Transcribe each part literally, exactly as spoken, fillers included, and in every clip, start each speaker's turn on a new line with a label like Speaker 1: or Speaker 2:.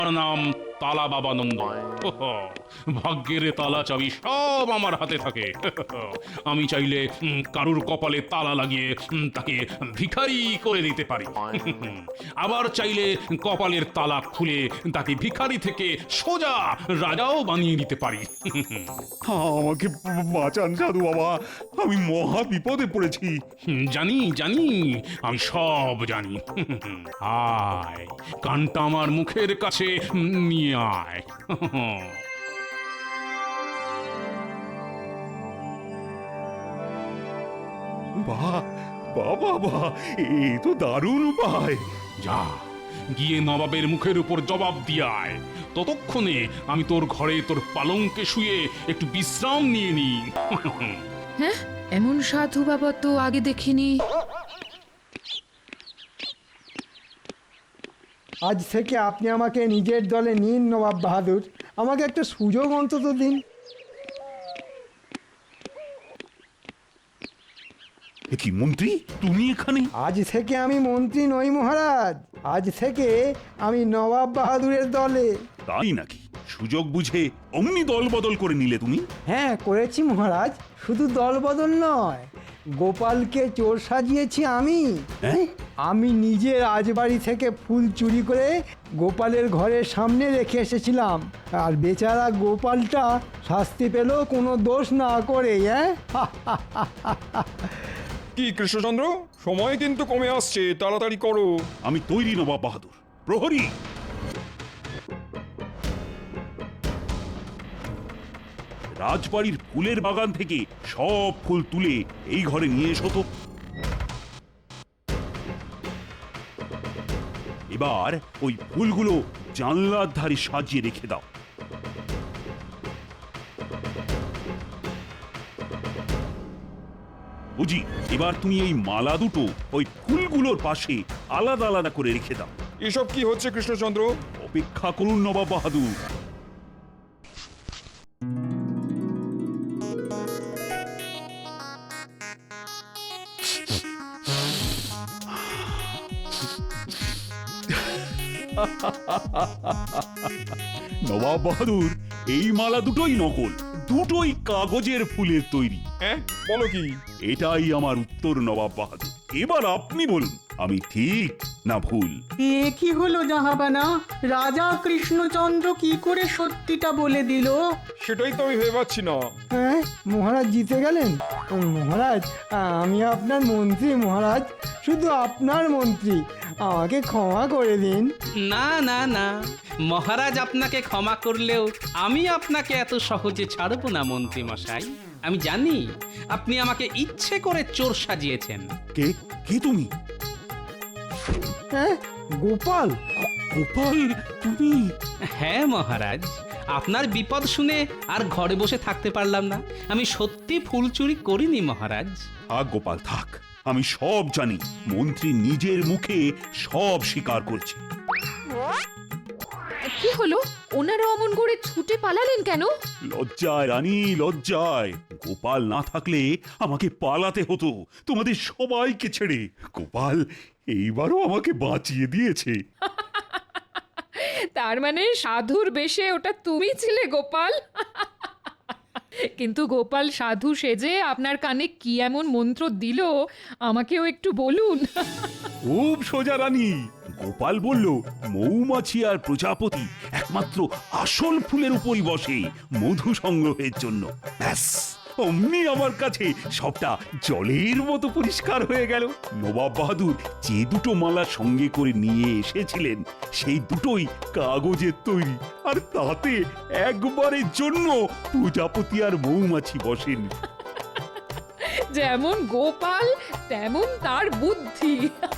Speaker 1: নাম তালা বাবানন্দ। ভাগ্যের তালা চাবি সব আমার হাতে থাকে। আমি চাইলে উম, কারুর কপালে তালা লাগিয়ে উম, তাকে ভিখারি করে দিতে পারি। আবার চাইলে কপালের তালা খুলে তাকে ভিখারি থেকে সোজা রাজাও বানিয়ে দিতে পারি।
Speaker 2: আমাকে বাঁচান সাধু বাবা, আমি মহা বিপদে পড়েছি।
Speaker 1: জানি জানি আমি সব জানি। আয় কানটা আমার মুখের কাছে নিয়ে আয়।
Speaker 2: বাহ বাহ বাহ বাহ, এ তো দারুণ উপায়।
Speaker 1: যা গিয়ে নবাবের মুখের উপর জবাব দিয়ে আয়। ততক্ষণে আমি তোর ঘরে তোর পালঙ্কে শুয়ে একটু বিশ্রাম নিয়ে নি।
Speaker 3: হ্যাঁ, এমন সাধু বাবা তো আগে দেখিনি।
Speaker 4: আজ থেকে আপনি আমাকে নিজের দলে নিন নবাব বাহাদুর, আমাকে একটা সুযোগ অন্তত দিন।
Speaker 2: এ কি মন্ত্রী, তুমি এখানে?
Speaker 4: আজ থেকে আমি মন্ত্রী নই মহারাজ, আজ থেকে আমি নবাব বাহাদুরের দলে।
Speaker 2: তাই নাকি? সুযোগ বুঝে অমনি দল বদল করে নিলে তুমি?
Speaker 4: হ্যাঁ করেছি মহারাজ, শুধু দল বদল নয়, গোপালকে চোর সাজিয়েছি আমি।
Speaker 2: হ্যাঁ?
Speaker 4: আমি নিজে রাজবাড়ি থেকে ফুল চুরি করে গোপালের ঘরের সামনে রেখে এসেছিলাম, আর বেচারা গোপালটা শাস্তি পেল কোনো দোষ না করে। হ্যাঁ
Speaker 5: কি কৃষ্ণচন্দ্র, সময় কিন্তু কমে আসছে, তাড়াতাড়ি করো।
Speaker 2: আমি তৈরি নবাব বাহাদুর। প্রহরী, রাজবাড়ির ফুলের বাগান থেকে সব ফুল তুলে এই ঘরে নিয়ে এসো তো। এবার ওই ফুলগুলো জানলার ধারে সাজিয়ে রেখে দাও। বুঝি, এবার তুমি এই মালা দুটো ওই ফুলগুলোর পাশে আলাদা আলাদা করে রেখে দাও।
Speaker 5: এসব কি হচ্ছে কৃষ্ণচন্দ্র?
Speaker 2: অপেক্ষা করুন নবাব বাহাদুর। নবাব বাহাদুর, এই মালা দুটোই নকল, দুটোই কাগজের ফুলের তৈরি।
Speaker 5: হ্যাঁ, বলো কি?
Speaker 2: এটাই আমার উত্তর নবাব বাহাদুর। এবার আপনি বলুন, আমি ঠিক না ভুল?
Speaker 6: এ কি হলো জাহাবানা, রাজা কৃষ্ণচন্দ্র কি করে সত্যিটা বলে দিল?
Speaker 5: সেটাই তো আমি ভেবে পাচ্ছি না।
Speaker 4: হ্যাঁ মহারাজ জিতে গেলেন। মহারাজ আমি আপনার মন্ত্রী মহারাজ, শুধু আপনার মন্ত্রী, আমাকে ক্ষমা করে দিন।
Speaker 7: না না না, মহারাজ আপনাকে ক্ষমা করলেও আমি আপনাকে এত সহজে ছাড়ব না মন্ত্রী মশাই। আমি জানি আপনি আমাকে ইচ্ছে করে চোর সাজিয়েছেন।
Speaker 2: কে কে তুমি?
Speaker 4: হ্যাঁ গোপাল।
Speaker 2: গোপাল, তুমি?
Speaker 7: হ্যাঁ মহারাজ, আপনার বিপদ শুনে আর ঘরে বসে থাকতে পারলাম না। আমি সত্যি ফুল চুরি করিনি মহারাজ।
Speaker 2: থাক গোপাল থাক, আমি সব জানি। মন্ত্রী নিজের মুখে সব স্বীকার করছে।
Speaker 3: কি হলো, ওনারা অমন করে ছুটে পালালেন কেন?
Speaker 2: লজ্জায় রানী, লজ্জায়। গোপাল না থাকলে আমাকে পালাতে হতো তোমাদের সবাইকে ছেড়ে। গোপাল এইবারও আমাকে বাঁচিয়ে দিয়েছে।
Speaker 3: তার মানে সাধুর বেশে ওটা তুমি ছিলে গোপাল? কিন্তু গোপাল সাধু সেজে আপনার কানে কি এমন মন্ত্র দিল আমাকেও একটু বলুন।
Speaker 2: খুব সোজা রানী। গোপাল বলল, মৌমাছি আর প্রজাপতি একমাত্র আসল ফুলের উপরই বসে মধু সংগ্রহের জন্য। ব্যাস, অমনি আমার কাছে সবটা জলের মতো পরিষ্কার হয়ে গেল। নবাব বাহাদুর যে দুটো মালা সঙ্গে করে নিয়ে এসেছিলেন সেই দুটোই কাগজের তৈরি, আর তাতে একবারের জন্য প্রজাপতি আর মৌমাছি বসেন।
Speaker 3: যেমন গোপাল তেমন তার বুদ্ধি।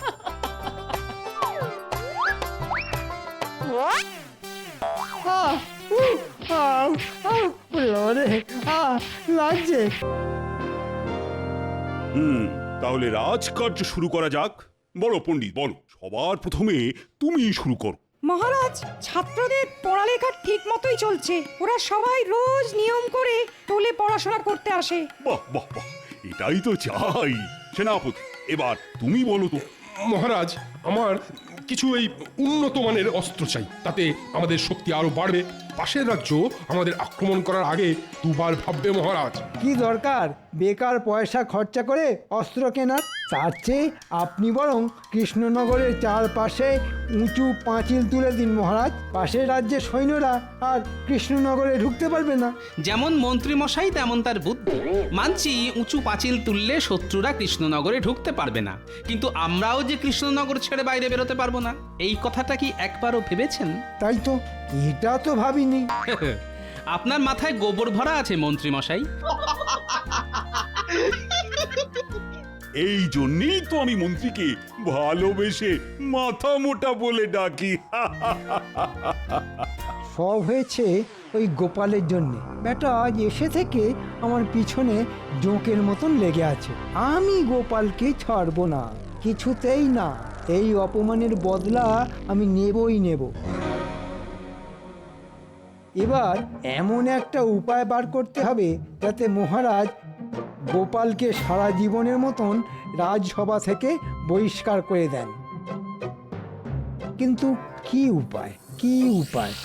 Speaker 4: আহ, উহ, আহ, আহ, ওরে, আহ, লাগছে।
Speaker 2: হুম, তাহলে রাজকার্য শুরু করা যাক। বলো পণ্ডিত, বলো, সবার প্রথমে তুমি শুরু করো।
Speaker 8: মহারাজ, ছাত্রদের পড়ালেখা ঠিক মতোই চলছে। ওরা সবাই রোজ নিয়ম করে টোলে পড়াশোনা করতে আসে।
Speaker 2: বাহ বাহ বাহ, এটাই তো চাই। সেনাপতি, এবার তুমি বলো তো।
Speaker 5: মহারাজ, আমার
Speaker 9: কিছু এই উন্নত মানের অস্ত্র চাই, তাতে আমাদের শক্তি আরো বাড়বে। পাশের রাজ্য আমাদের আক্রমণ করার আগে দুবার ভাববে মহারাজ।
Speaker 4: কি দরকার বেকার পয়সা খরচা করে অস্ত্র কেনার? তার চেয়ে আপনি বরং কৃষ্ণনগরের চারপাশে উঁচু পাঁচিল তুলে দিন মহারাজ। পাশের রাজ্যের সৈন্যরা আর কৃষ্ণনগরে ঢুকতে পারবে না।
Speaker 7: যেমন মন্ত্রী মশাই তেমন তার বুদ্ধি। মানছি উঁচু পাঁচিল তুললে শত্রুরা কৃষ্ণনগরে ঢুকতে পারবে না, কিন্তু আমরাও যে কৃষ্ণনগর ছেড়ে বাইরে বেরোতে পারবো না, এই কথাটা কি একবারও ভেবেছেন?
Speaker 4: তাই তো, এটা তো ভাবিনি।
Speaker 7: আপনার মাথায় গোবর ভরা আছে মন্ত্রী মশাই।
Speaker 2: এই জন্যই তো আমি মন্ত্রীকে ভালোবেসে মাথা মোটা বলে ডাকি।
Speaker 4: সব হয়েছে ওই গোপালের জন্যে। বেটা আজ এসে থেকে আমার পিছনে জোঁকের মতন লেগে আছে। আমি গোপালকে ছাড়বো না, কিছুতেই না। এই অপমানের বদলা আমি নেবই নেব। এবার এমন একটা উপায় বার করতে হবে যাতে মহারাজ গোপালকে সারা জীবনের মতন রাজসভা থেকে বহিষ্কার করে দেন। কিন্তু কি উপায়, কি উপায়?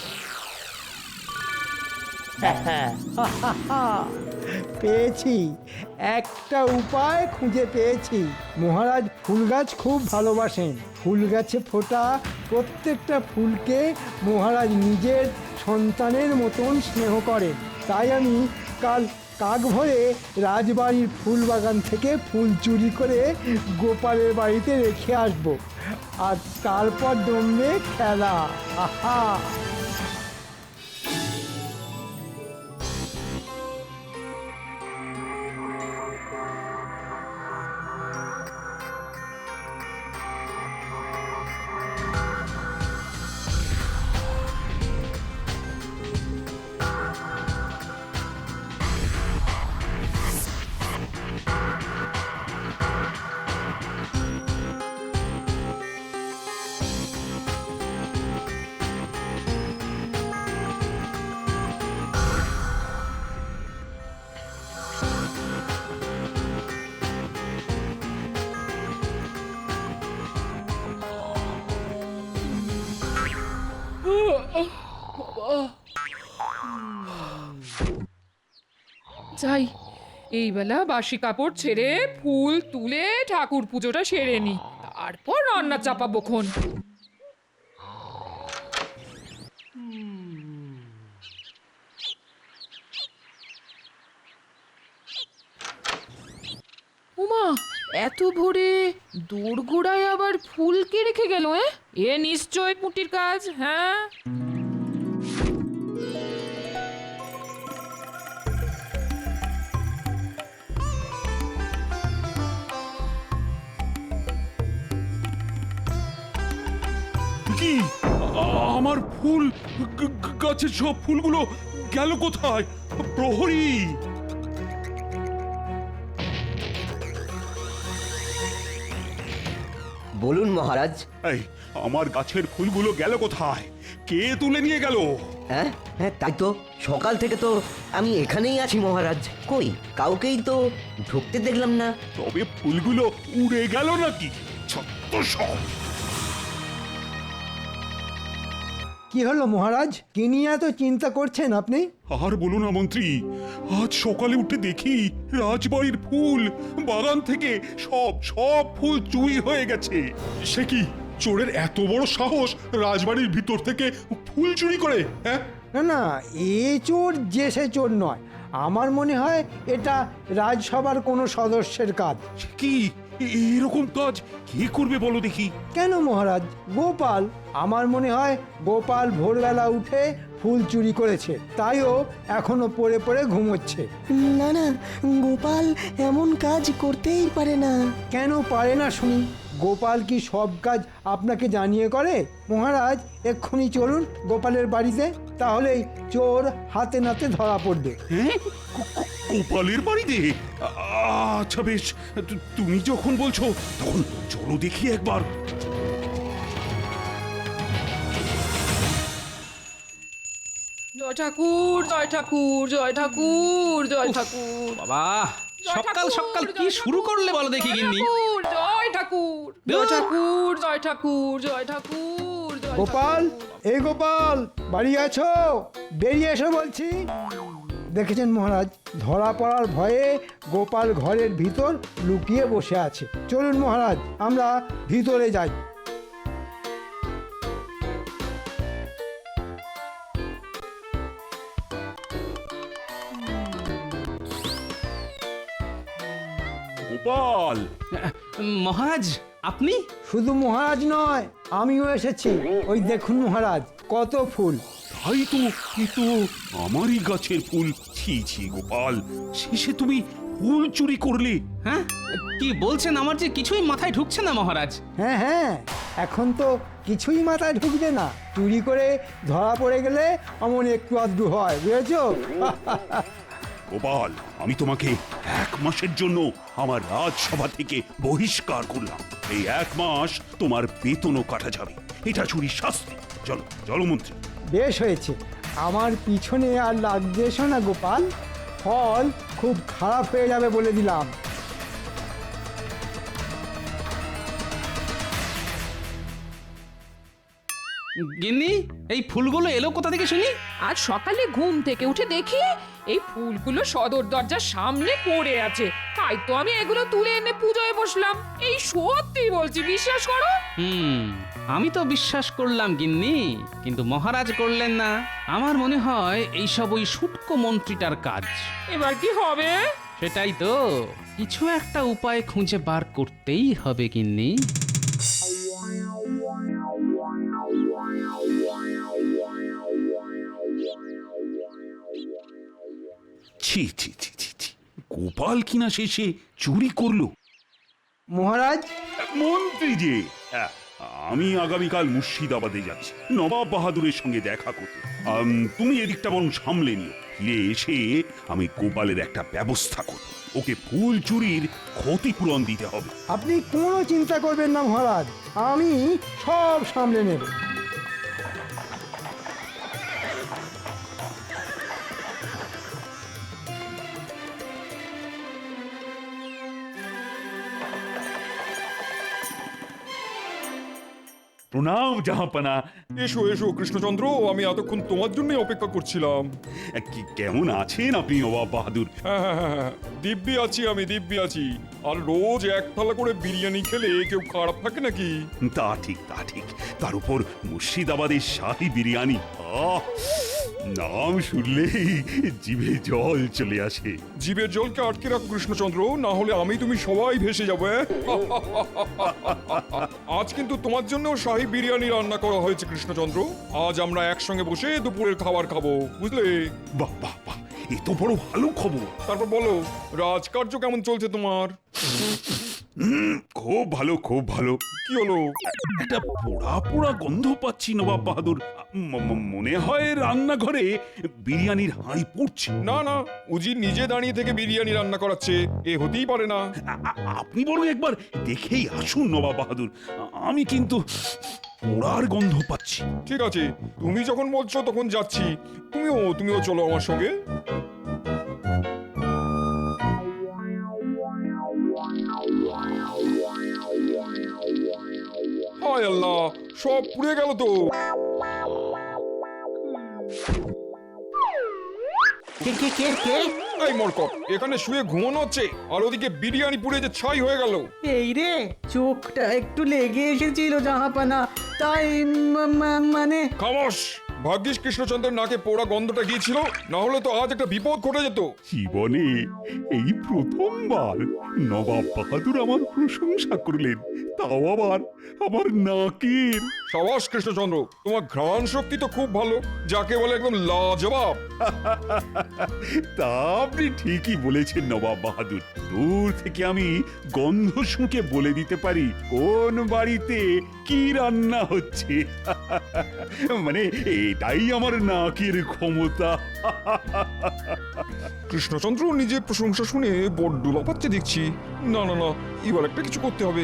Speaker 4: পেয়েছি, একটা উপায় খুঁজে পেয়েছি। মহারাজ ফুল গাছ খুব ভালোবাসেন। ফুল গাছে ফোটা প্রত্যেকটা ফুলকে মহারাজ নিজের সন্তানের মতন স্নেহ করেন। তাই আমি কাল কাক ভরে রাজবাড়ির ফুল বাগান থেকে ফুল চুরি করে গোপালের বাড়িতে রেখে আসব, আর তারপর জমবে খেলা। আহা!
Speaker 3: যাই, এই বেলা বাসি কাপড় ছেড়ে ফুল তুলে ঠাকুর পুজোটা সেরে নি, তারপর রান্না চাপাবো খন। উমা, এত ভোরে দোরগোড়ায় আবার ফুল কে রেখে গেল? এ নিশ্চয় পুটির কাজ। হ্যাঁ,
Speaker 2: কি আ- আমার ফুল গ- গ- গাছের সব ফুলগুলো গেল কোথায়? প্রহরী!
Speaker 10: বলুন মহারাজ।
Speaker 2: এই আমার গাছের ফুলগুলো গেল কোথায়? কে তুলে নিয়ে গেল?
Speaker 10: হ্যাঁ হ্যাঁ তাই তো, সকাল থেকে তো আমি এখানেই আছি মহারাজ। কই কাউকেই তো ঢুকতে দেখলাম না।
Speaker 2: তবে ফুলগুলো উড়ে গেল নাকি? ছত্ত সব!
Speaker 4: কি হলো মহারাজ, কি নিয়ে এত চিন্তা করছেন আপনি?
Speaker 2: আর বলো না মন্ত্রী, আজ সকালে উঠে দেখি রাজবাড়ির ফুল বাগান থেকে সব সব ফুল চুরি হয়ে গেছে।
Speaker 9: সে কি, চোরের এত বড় সাহস রাজবাড়ির ভিতর থেকে ফুল চুরি করে? হ্যাঁ,
Speaker 4: না না, এ চোর যে সে চোর নয়। আমার মনে হয় এটা রাজসভার কোনো সদস্যের কাজ।
Speaker 2: কি এ- এরকম কাজ কে করবে বলো দেখি?
Speaker 4: কেন মহারাজ, গোপাল। আমার মনে হয় গোপাল ভোরবেলা উঠে ফুল চুরি করেছে, তাইও এখনো পড়ে পড়ে ঘুমোচ্ছে।
Speaker 11: না না, গোপাল এমন কাজ করতেই পারে না।
Speaker 4: কেন পারে না শুনি? গোপাল কি সব কাজ আপনাকে জানিয়ে করে? মহারাজ এক্ষুনি চলুন গোপালের বাড়িতে, তাহলেই চোর হাতে নাতে ধরা পড়বে।
Speaker 2: হ্যাঁ, গো- গো- গোপালের বাড়িতে? আ- আচ্ছা বেশ, তু- তুমি যখন বলছো তখন চলো দেখি একবার।
Speaker 3: জয় ঠাকুর, জয় ঠাকুর, জয় ঠাকুর, জয় ঠাকুর।
Speaker 7: বাবা,
Speaker 3: জয়
Speaker 7: সকাল
Speaker 3: ঠাকুর,
Speaker 7: সকাল
Speaker 3: জয়
Speaker 7: কি শুরু
Speaker 3: ঠাকুর,
Speaker 7: করলে বলো দেখি
Speaker 3: জয়
Speaker 7: গিন্নি?
Speaker 3: ঠাকুর, জয় ঠাকুর। ঠাকুর জয় ঠাকুর জয় ঠাকুর জয় ঠাকুর জয়
Speaker 4: গোপাল এই গোপাল বাড়ি আছো বেরিয়ে এসো বলছি। দেখেছেন মহারাজ, ধরা পড়ার ভয়ে গোপাল ঘরের ভিতর লুকিয়ে বসে আছে। চলুন মহারাজ, আমরা ভিতরে যাই।
Speaker 2: গোপাল,
Speaker 7: মহারাজ আপনি?
Speaker 4: শুধু মহারাজ নয়, আমিও এসেছি। ওই দেখুন মহারাজ, কত ফুল।
Speaker 2: তাই তো, এ তো আমারই গাছের ফুল। ছি ছি গোপাল, শেষে তুমি ফুল চুরি করলে?
Speaker 7: হ্যাঁ, কি বলছেন? আমার যে কিছুই মাথায় ঢুকছে না মহারাজ।
Speaker 4: হ্যাঁ হ্যাঁ, এখন তো কিছুই মাথায় ঢুকবে না। চুরি করে ধরা পড়ে গেলে অমন একটু আধটু হয়, বুঝেছো?
Speaker 2: গোপাল, আমি তোমাকে এক মাসের জন্য আমার রাজসভা থেকে বহিষ্কার করলাম। এই এক মাস তোমার বেতনও কাটা যাবে। এটা চুরির শাস্তি। চলো চলো মন্ত্রী।
Speaker 4: বেশ হয়েছে, আমার পিছনে আর লাগবে এসো না গোপাল, ফল খুব খারাপ হয়ে যাবে বলে দিলাম।
Speaker 7: গিন্নি, এই ফুলগুলো এলো কোথা থেকে শুনি?
Speaker 3: আজ সকালে ঘুম থেকে উঠে দেখি এই ফুলগুলো সদর দরজার সামনে পড়ে আছে, তাই তো আমি এগুলো তুলে এনে পুজোয় বসলাম। এই সত্যি বলছি, বিশ্বাস করো।
Speaker 7: হুম, আমি তো বিশ্বাস করলাম গিন্নি, কিন্তু মহারাজ করলেন না। আমার মনে হয় এইসব ওই শুটকো মন্ত্রীটার কাজ।
Speaker 3: এবার কি হবে?
Speaker 7: সেটাই তো, কিছু একটা উপায় খুঁজে বার করতেই হবে গিন্নি।
Speaker 2: ছি ছি ছি ছি ছি, গোপাল কিনা শেষে চুরি করলো।
Speaker 4: মহারাজ,
Speaker 2: মন্ত্রী যে, হ্যাঁ, আমি আগামীকাল মুর্শিদাবাদে যাচ্ছি নবাব বাহাদুরের সঙ্গে দেখা করতে। আম, তুমি এদিকটা বরং সামলে নিও। ফিরে এসে আমি গোপালের একটা ব্যবস্থা করব। ওকে ফুল চুরির ক্ষতিপূরণ দিতে হবে।
Speaker 4: আপনি কোনো চিন্তা করবেন না মহারাজ, আমি সব সামলে নেব।
Speaker 2: প্রণাম জাহাপানা।
Speaker 5: এসো এসো কৃষ্ণচন্দ্র, আমি এতক্ষণ তোমার জন্যই অপেক্ষা করছিলাম।
Speaker 2: কি- কেমন আছেন আপনি নবাব বাহাদুর?
Speaker 5: হ্যাঁ হ্যাঁ হ্যাঁ হ্যাঁ, দিব্যি আছি আমি, দিব্যি আছি। আর রোজ এক থালা করে বিরিয়ানি খেলে কেউ খারাপ থাকে নাকি?
Speaker 2: তা ঠিক, তা ঠিক। তার উপর মুর্শিদাবাদের শাহী বিরিয়ানি, আহ, নাম শুনলেই জিভে জল চলে আসে।
Speaker 5: জীবের জলকে আটকে রাখো কৃষ্ণচন্দ্র, না হলে আমি তুমি সবাই ভেসে যাবো। হ্যাঁ? আজ কিন্তু তোমার জন্য শাহী বিরিয়ানি রান্না করা হয়েছে কৃষ্ণচন্দ্র। আজ আমরা একসঙ্গে বসে দুপুরের খাবার খাবো, বুঝলে?
Speaker 2: বাহ বাহ বাহ, এ তো বড় ভালো খবর।
Speaker 5: তারপর বলো, রাজকার্য কেমন চলছে তোমার?
Speaker 2: হুম, খুব ভালো, খুব ভালো।
Speaker 5: কি হলো?
Speaker 2: একটা পোড়া পোড়া গন্ধ পাচ্ছি নবাব বাহাদুর। ম- ম- মনে হয় রান্নাঘরে বিরিয়ানির হাঁড়ি পুড়ছে।
Speaker 5: না না, উজি নিজে দাঁড়িয়ে থেকে বিরিয়ানি রান্না করাচ্ছে, এ হতেই পারে না।
Speaker 2: আ- আ- আপনি বরং একবার দেখেই আসুন নবাব বাহাদুর। আ- আমি কিন্তু পোড়ার গন্ধ পাচ্ছি।
Speaker 5: ঠিক আছে, তুমি যখন বলছো তখন যাচ্ছি। তুমিও তুমিও চলো আমার সঙ্গে। হায় আল্লাহ, সব পুড়ে গেল তো।
Speaker 6: কে কে কে কে
Speaker 5: এই মরকট, এখানে শুয়ে ঘুমানো হচ্ছে আর ওদিকে বিরিয়ানি পুড়ে যে ছাই হয়ে গেল।
Speaker 6: এই রে, চোখটা একটু লেগে এসেছিল জাহাপানা, তাই ম- ম- মানে
Speaker 5: খামোশ! ভাগ্যিস কৃষ্ণচন্দ্রের নাকে পোড়া গন্ধটা গিয়েছিল, না হলে তো আজ একটা বিপদ ঘটে যেত।
Speaker 2: জীবনে এই প্রথমবার নবাব বাহাদুর আমার প্রশংসা করলেন, তাও আবার আমার নাকের।
Speaker 5: সাবাস কৃষ্ণচন্দ্র, তোমার ঘ্রাণ শক্তি তো খুব ভালো, যাকে বলে একদম লাজবাব।
Speaker 2: তা আপনি ঠিকই বলেছেন নবাব বাহাদুর। দূর থেকে আমি গন্ধ শুঁকে বলে দিতে পারি কোন বাড়িতে কি রান্না হচ্ছে। মানে এটাই আমার নাকের ক্ষমতা।
Speaker 5: কৃষ্ণচন্দ্র নিজের প্রশংসা শুনে বড্ড লাফাচ্ছে দেখছি। না না না, এবার একটা কিছু করতে হবে।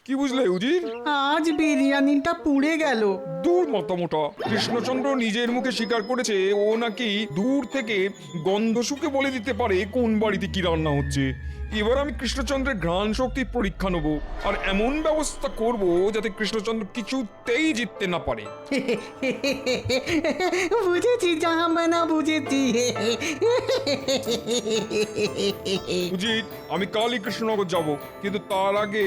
Speaker 5: কি বুঝলে উজির?
Speaker 6: আজ বিরিয়ানিটা পুড়ে গেল।
Speaker 5: দূর মতামোটা, কৃষ্ণচন্দ্র নিজের মুখে স্বীকার করেছে ও নাকি দূর থেকে গন্ধ শুকে বলে দিতে পারে কোন বাড়িতে কি রান্না হচ্ছে। এবার আমি কৃষ্ণচন্দ্রের ঘ্রাণ শক্তির পরীক্ষা নেব আর এমন ব্যবস্থা করব যাতে কৃষ্ণচন্দ্র কিছুতেই জিততে না পারে।
Speaker 6: বুঝেছি জাহাপানা, বুঝেছি।
Speaker 5: উজির, আমি কালই কৃষ্ণনগর যাব, কিন্তু তার আগে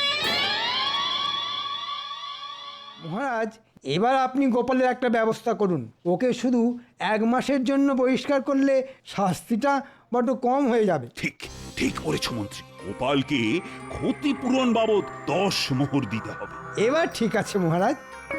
Speaker 4: মহারাজ, এবার আপনি গোপালের একটা ব্যবস্থা করুন। ওকে শুধু এক মাসের জন্য বহিষ্কার করলে শাস্তিটা বড্ড কম হয়ে যাবে।
Speaker 2: ঠিক ঠিক বলেছ মন্ত্রী, গোপালকে ক্ষতিপূরণ বাবদ দশ মোহর দিতে হবে।
Speaker 4: এবার ঠিক আছে মহারাজ।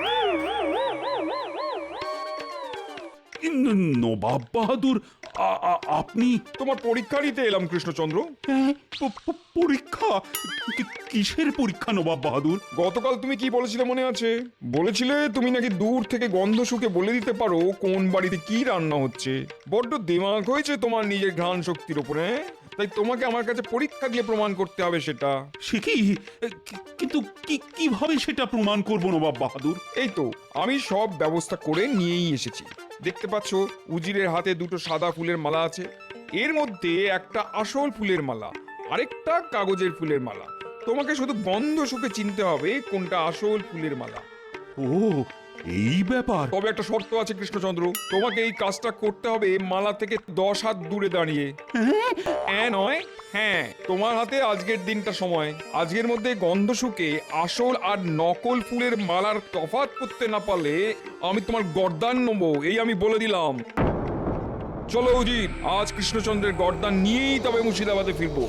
Speaker 2: ন- নবাব বাহাদুর, আ- আ- আপনি
Speaker 5: তোমার পরীক্ষা নিতে এলাম কৃষ্ণচন্দ্র।
Speaker 2: হ্যাঁ, প- প- পরীক্ষা? কি- কিসের পরীক্ষা নবাব বাহাদুর?
Speaker 5: গতকাল তুমি কি বলেছিলে মনে আছে? বলেছিলে তুমি নাকি দূর থেকে গন্ধ শুকে বলে দিতে পারো কোন বাড়িতে কি রান্না হচ্ছে। বড্ড দিমাগ হয়েছে তোমার নিজের ঘ্রাণ শক্তির উপরে, হ্যাঁ? তাই তোমাকে আমার কাছে পরীক্ষা দিয়ে প্রমাণ করতে হবে সেটা।
Speaker 2: সে কি? কি- কিন্তু কি- কিভাবে সেটা প্রমাণ করব নবাব বাহাদুর?
Speaker 5: এই তো আমি সব ব্যবস্থা করে নিয়েই এসেছি। দেখতে পাচ্ছ উজিরের হাতে দুটো সাদা ফুলের মালা আছে, এর মধ্যে একটা আসল ফুলের মালা, আরেকটা কাগজের ফুলের মালা। তোমাকে শুধু গন্ধ শুকে চিনতে হবে কোনটা আসল ফুলের মালা।
Speaker 2: ও, এই ব্যাপার।
Speaker 5: তবে একটা শর্ত আছে কৃষ্ণচন্দ্র, তোমাকে এই কাজটা করতে হবে মালা থেকে দশ হাত দূরে দাঁড়িয়ে। হ্যাঁ নয়, হ্যাঁ, তোমার হাতে আজকের দিনটা সময়। আজকের মধ্যে গন্ধ শুকে আসল আর নকল ফুলের মালার তফাৎ করতে না পারলে আমি তোমার গর্দান নেবো, এই আমি বলে দিলাম। চলো উজির, আজ কৃষ্ণচন্দ্রের গর্দান নিয়েই তবে মুর্শিদাবাদে ফিরবো।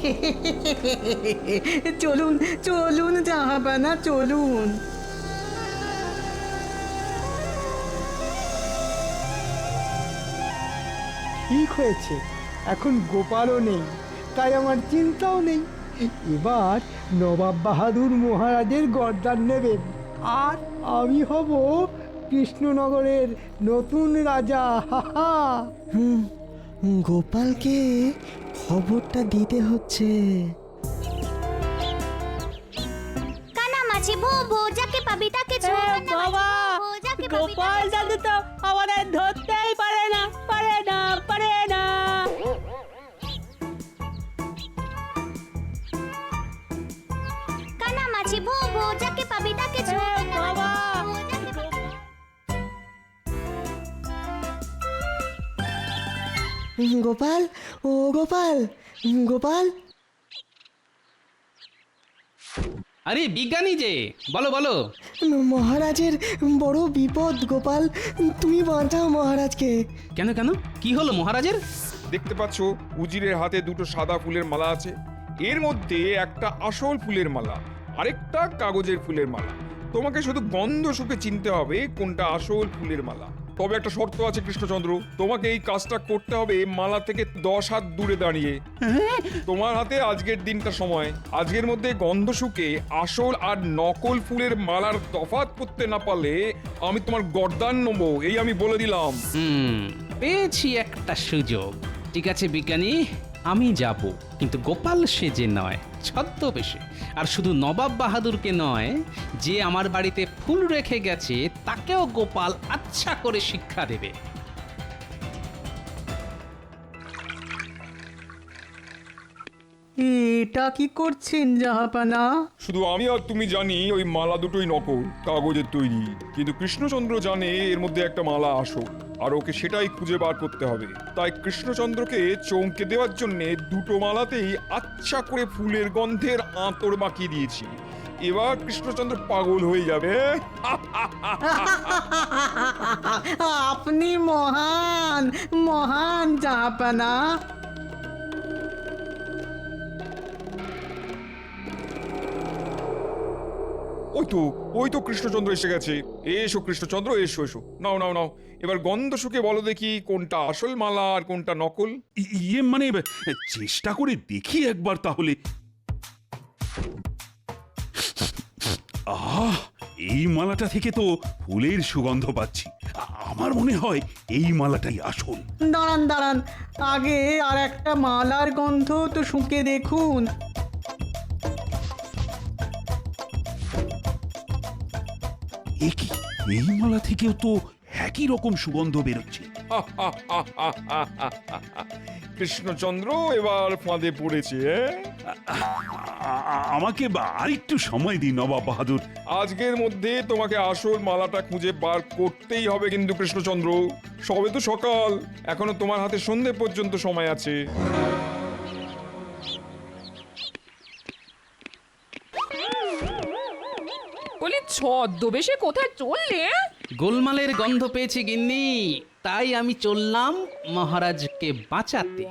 Speaker 6: চলুন চলুন জাহাপানা, চলুন।
Speaker 4: ঠিক হয়েছে, এখন গোপালও নেই, তাই আমার চিন্তাও নেই। এবার নবাব বাহাদুর মহারাজের গর্দান নেবেন আর আমি হব কৃষ্ণনগরের নতুন রাজা। হা হা।
Speaker 11: হুম, গোপালকে খবরটা দিতে হচ্ছে।
Speaker 12: কানামাছি ভোবো, যাকে পাবি তাকে ছোঁব।
Speaker 6: বাবা, গোপাল দাদু তো আমাদের ধরতেই পারে না, পারে না, পারে না।
Speaker 12: কানামাছি ভোবো, যাকে পাবি তাকে ছোঁব।
Speaker 6: বাবা,
Speaker 11: গোপাল, ও গোপাল, গোপাল।
Speaker 7: আরে বিজ্ঞানী যে, বলো বলো।
Speaker 11: মহারাজের বড় বিপদ গোপাল, তুমি বাঁচাও মহারাজকে।
Speaker 7: কেন কেন, কি হলো মহারাজের?
Speaker 5: দেখতে পাচ্ছ উজিরের হাতে দুটো সাদা ফুলের মালা আছে, এর মধ্যে একটা আসল ফুলের মালা, আরেকটা কাগজের ফুলের মালা। তোমাকে শুধু গন্ধ শুকে চিনতে হবে কোনটা আসল ফুলের মালা। তবে একটা শর্ত আছে কৃষ্ণচন্দ্র, তোমাকে এই কাজটা করতে হবে মালা থেকে দশ হাত দূরে দাঁড়িয়ে। তোমার হাতে আজকের দিনটা সময়। আজকের মধ্যে গন্ধ শুকে আসল আর নকল ফুলের মালার তফাৎ করতে না পারলে আমি তোমার গর্দান নেবো, এই আমি বলে দিলাম।
Speaker 7: হুম, পেয়েছি একটা সুযোগ। ঠিক আছে বিজ্ঞানী, আমি যাব, কিন্তু গোপাল সেজে নয়, ছদ্মবেশে। আর শুধু নবাব বাহাদুরকে নয়, যে আমার বাড়িতে ফুল রেখে গেছে তাকেও গোপাল আচ্ছা করে শিক্ষা দেবে।
Speaker 6: এটা কি করছেন জাহাপানা?
Speaker 5: শুধু আমি আর তুমি জানি ওই মালা দুটোই নকল, কাগজের তৈরি, কিন্তু কৃষ্ণচন্দ্র জানে এর মধ্যে একটা মালা আসল, আর ওকে সেটাই খুঁজে বার করতে হবে। তাই কৃষ্ণচন্দ্রকে চমকে দেওয়ার জন্য দুটো মালাতেই আচ্ছা করে ফুলের গন্ধের আঁতর মাখিয়ে দিয়েছি। এবার কৃষ্ণচন্দ্র পাগল হয়ে যাবে।
Speaker 6: আপনি মহান, মহান জাহাপানা।
Speaker 5: ওই তো ওই তো কৃষ্ণচন্দ্র এসে গেছে। এসো কৃষ্ণচন্দ্র, এসো এসো, নাও নাও নাও, এবার গন্ধ শুকে বলো দেখি কোনটা আসল মালা আর কোনটা নকল।
Speaker 2: ই- ইয়ে মানে চেষ্টা করে দেখি একবার তাহলে। আহ, এই মালাটা থেকে তো ফুলের সুগন্ধ পাচ্ছি। আ- আমার মনে হয় এই মালাটাই আসল।
Speaker 6: দাঁড়ান দাঁড়ান, আগে আর একটা মালার গন্ধ তো শুঁকে দেখুন।
Speaker 2: এ কি, এই মালা থেকেও তো একই রকম সুগন্ধ বেরোচ্ছে।
Speaker 5: কৃষ্ণচন্দ্র এবার ফাঁদে পড়েছে এ?
Speaker 2: আ- আ- আমাকে বা আরেকটু সময় দিন নবাব বাহাদুর।
Speaker 5: আজকের মধ্যে তোমাকে আসল মালাটা খুঁজে বার করতেই হবে কিন্তু কৃষ্ণচন্দ্র। সবে তো সকাল, এখনো তোমার হাতে সন্ধে পর্যন্ত সময় আছে।
Speaker 3: বলি ছদ্মবেশে কোথায় চললে?
Speaker 7: গোলমালের গন্ধ পেয়েছি গিন্নি, তাই আমি চললাম মহারাজকে বাঁচাতে।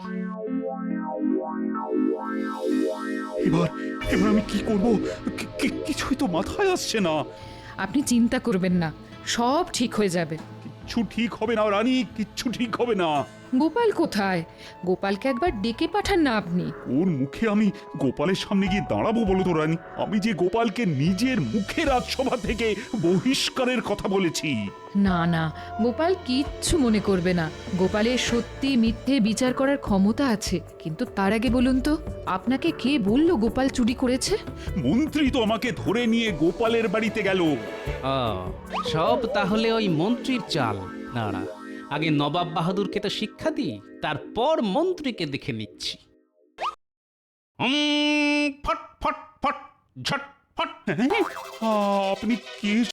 Speaker 2: এবার এবার আমি কি করব? কি- কি- কিছুই তো মাথায় আসছে না।
Speaker 3: আপনি চিন্তা করবেন না, সব ঠিক হয়ে যাবে।
Speaker 2: কিচ্ছু ঠিক হবে না রানী, কিচ্ছু ঠিক হবে না।
Speaker 3: গোপাল কোথায়? গোপালকে একবার ডেকে পাঠান না আপনি।
Speaker 2: ওর মুখে আমি গোপালের সামনে গিয়ে দাঁড়াবো বলো তো রানী? আমি যে গোপালকে নিজের মুখে রাজসভা থেকে বহিষ্কারের কথা বলেছি।
Speaker 3: না না, গোপাল কিচ্ছু মনে করবে না। গোপালের সত্যি মিথ্যে বিচার করার ক্ষমতা আছে। কিন্তু তার আগে বলুন তো, আপনাকে কে বলল গোপাল চুরি করেছে?
Speaker 2: মন্ত্রী তো আমাকে ধরে নিয়ে গোপালের বাড়িতে গেল।
Speaker 7: ও, সব তাহলে ওই মন্ত্রীর চাল। দাঁড়া, আগে নবাব বাহাদুরকে তো শিক্ষা দিই, তারপর মন্ত্রীকে দেখে নিচ্ছি।
Speaker 1: হুম, ফট ফট ফট ঝট ফট।
Speaker 2: হ্যাঁ? আপনি কে